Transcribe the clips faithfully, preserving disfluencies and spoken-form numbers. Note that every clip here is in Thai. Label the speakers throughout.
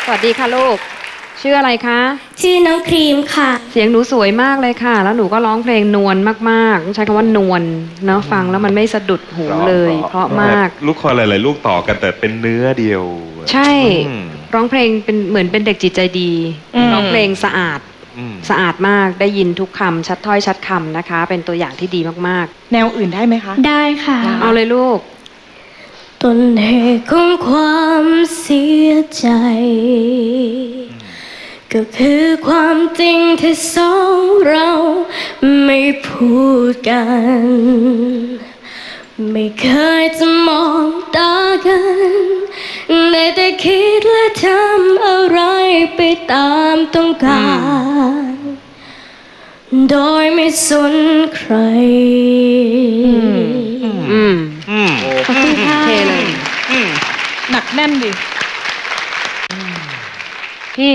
Speaker 1: วัสดีค่ะลูกชื่ออะไรคะ
Speaker 2: ชื่อน้องครีมค่ะ
Speaker 1: เสียงหนูสวยมากเลยค่ะแล้วหนูก็ร้องเพลงนวลมากๆต้องใช้คำว่านวลเนาะฟังแล้วมันไม่สะดุดหูเลยเพราะมาก
Speaker 3: ลูกคอหลายๆลูกต่อกันแต่เป็นเนื้อเดียว
Speaker 1: ใช่ร้องเพลงเป็นเหมือนเป็นเด็กจิตใจดีร้องเพลงสะอาดสะอาดมากได้ยินทุกคำชัดถ้อยชัดคำนะคะเป็นตัวอย่างที่ดีมาก
Speaker 4: ๆแนวอื่นได้ไหมคะ
Speaker 2: ได้ค่ะ
Speaker 1: เอาเลยลูก
Speaker 2: ต้นเหตุของความเสียใจก็คือความจริงที่สองเราไม่พูดกันไม่เคยจะมองตากันได้แต่คิดและทำอะไรไปตามต้องการโดยไม่สนใคร
Speaker 1: อืม
Speaker 3: อืม
Speaker 1: ขอบคุณค่ะเทเลย
Speaker 4: หนักแน่นดิ
Speaker 1: พี่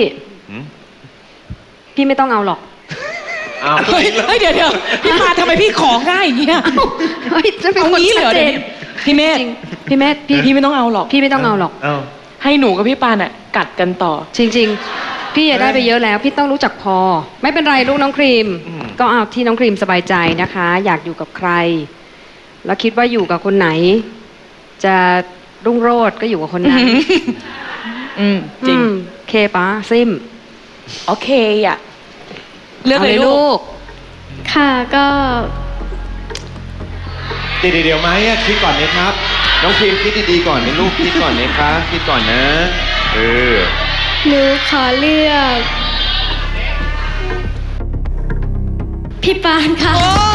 Speaker 1: พี่ไม่ต้องเอาหรอก
Speaker 4: เฮ้ยเดี๋ยวเดี๋ยวพี่ปาทำไมพี่ของง่ายอย่างเงี้ย
Speaker 1: เฮ้ยจะเป็นคนชัดเจน
Speaker 4: พี่เมธ
Speaker 1: พี่เมธพี่
Speaker 4: พี่ไม่ต้องเอาหรอก
Speaker 1: พี่ไม่ต้องเอาหรอก
Speaker 4: ให้หนูกับพี่ปานอ่ะกัดกันต่อ
Speaker 1: จริงๆพี่อย่าได้ไปเยอะแล้วพี่ต้องรู้จักพอไม่เป็นไรลูกน้องครีมก็เอาที่น้องครีมสบายใจนะคะอยากอยู่กับใครแล้วคิดว่าอยู่กับคนไหนจะรุ่งโรจน์ก็อยู่กับคนนั้น
Speaker 4: อืมจริง
Speaker 1: เคปะซิม
Speaker 4: โอเคอ่ะเลือกเลยลูก
Speaker 2: ค่ะก็
Speaker 5: เดี๋ยวเดี๋ยวไหมคิดก่อนไหมครับน้องพิมคิดดีๆก่อนนะลูกคิดก่อนนะคะคิดก่อนนะเออ
Speaker 2: หนูขอเลือกพี่ปานค่ะ